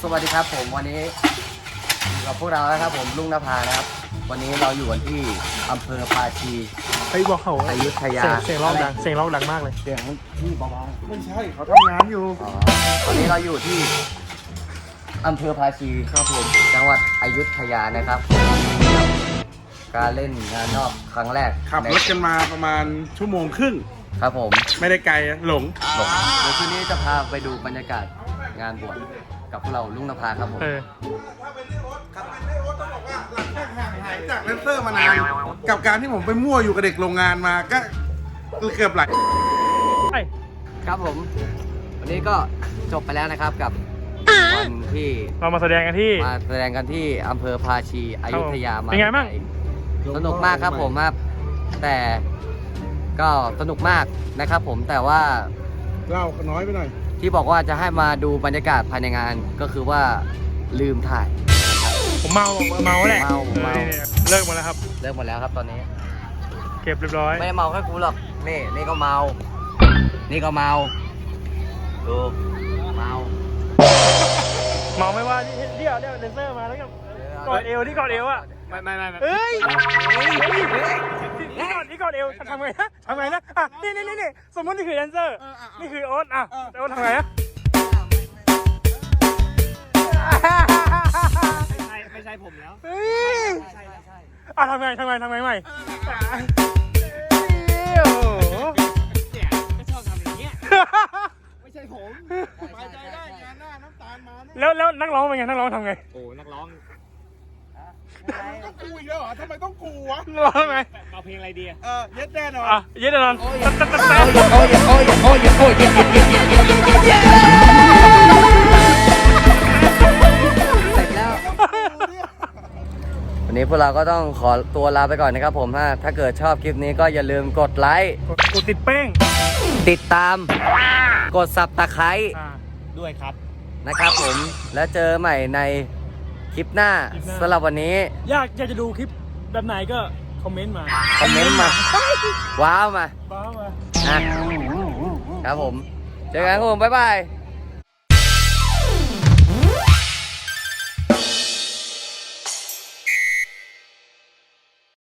สวัสดีครับผมวันนี้อยู่กับพวกเราแล้วครับผมลุงนภานะครับวันนี้เราอยู่กันที่อำเภอภาชีไปบอกเขาอยุธยาเสียงร้องดังเสียงร้องดังมากเลยเสียงที่เบาไม่ใช่เขาทำงานอยู่ๆวันนี้เราอยู่ที่อำเภอภาชีครับผมจังหวัดอยุธยานะครับการเล่นงานนอกครั้งแรกขับรถกันมาประมาณชั่วโมงครึ่งครับผมไม่ได้ไกลหลงเดี๋ยวคืนนี้จะพาไปดูบรรยากาศงานบวชกับพวกเราลุงนภาครับผมถ้าเป็นเรื่องรถขับเป็นเรื่องรถต้องบอกว่าหลังจากห่างหายจากแดนเซอร์มานานกับการที่ผมไปมั่วอยู่กับเด็กโรงงานมาก็เกือบหลายครับผมวันนี้ก็จบไปแล้วนะครับกับวันที่เรามาแสดงกันที่มาแสดงกันที่อำเภอภาชีอยุธยามาเป็นไงบ้างสนุกมากครับผมครับแต่ก็สนุกมากนะครับผมแต่ว่าเล่าน้อยไปหน่อยที่บอกว่าจะให้มาดูบรรยากาศภายในงานก็คือว่าลืมถ่ายผมเมาแหละเมาเลิกหมดแล้วครับเลิกหมดแล้วครับตอนนี้เก็บเรียบร้อยไม่ได้เมาแค่กูหรอกนี่ก็เมา นี่ก็เมาดูเมาเมาไม่ว่าเดี๋ยวเดนเซอร์มาแล้วก็กอดเอวที่กอดเอวอ่ะไม่เอ้ยนี่กอดเอวทำไงนะอ่ะนี่สมมตินี่คือแดนเซอร์นี่คือโอ๊ตอ่ะโอ๊ตทำไงนะไม่ใช่ผมแล้วเฮ้ยอ่ะทำไงใหม่โอ้โหเนี่ยก็ชอบทำอย่างเงี้ย ไม่ใช่ผมไปใจได้งานหน้าน้ำตาลมาเนี่ยแล้วนักร้องเป็นไงนักร้องทำไงโอ้นักร้องต้องกูอีกแล้วเหรอทำไมต้องกูวะนักร้องทำไงเอาเพลงอะไรดีอะเย็ดแน่นอนอ่ะเย็ดแน่นอนเสร็จแล้ว วันนี้พวกเราก็ต้องขอตัวลาไปก่อนนะครับผมถ้าเกิดชอบคลิปนี้ก็อย่าลืมกดไลค์กดติดเป้งติดตาม กดซับตะไคร้ด้วยครับนะครับผมแล้วเจอใหม่ในคลิปหน้าสำหรับวันนี้อยากจะดูคลิปแบบไหนก็คอมเมนต์มาคอมเมนต์มาว้าวมาบ้ามานะครับผมเจอกันครับผมบ๊ายบาย